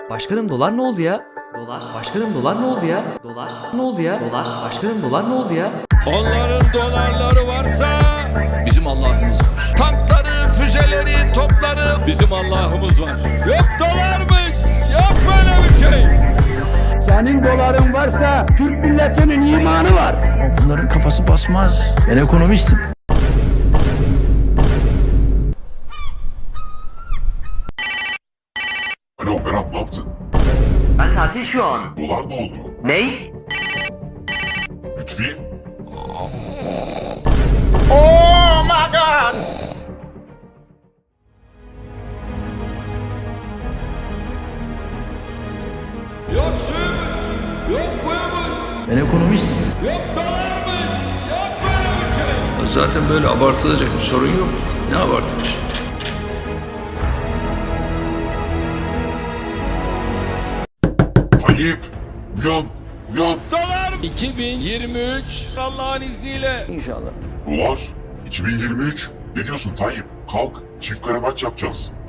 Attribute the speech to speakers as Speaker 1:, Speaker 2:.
Speaker 1: Başkanım dolar ne oldu ya? Dolar. Başkanım dolar ne oldu ya? Dolar. Ne oldu ya? Dolar. Başkanım dolar ne oldu ya?
Speaker 2: Onların dolarları varsa bizim Allah'ımız var. Tankları, füzeleri, topları bizim Allah'ımız var. Yok dolarmış, yok böyle bir şey.
Speaker 3: Senin doların varsa Türk milletinin imanı var.
Speaker 4: Bunların kafası basmaz. Ben ekonomistim.
Speaker 5: Alo Berat, ne yaptın?
Speaker 6: Ben tatil şu an.
Speaker 5: Dolar ne oldu?
Speaker 6: Ney?
Speaker 5: Lütfi?
Speaker 2: Yok şuymuş, yok buymuş,
Speaker 4: Ben ekonomistim.
Speaker 2: yok dolarmış, yok böyle bir şey.
Speaker 7: Zaten böyle abartılacak bir sorun yok. Ne abartmış?
Speaker 5: Tayyip! Uyan! Uyan!
Speaker 2: Dolar 2023 Allah'ın izniyle.
Speaker 4: İnşallah.
Speaker 5: Dolar? 2023? Ne diyorsun Tayyip? Kalk, çift kare maç yapacağız.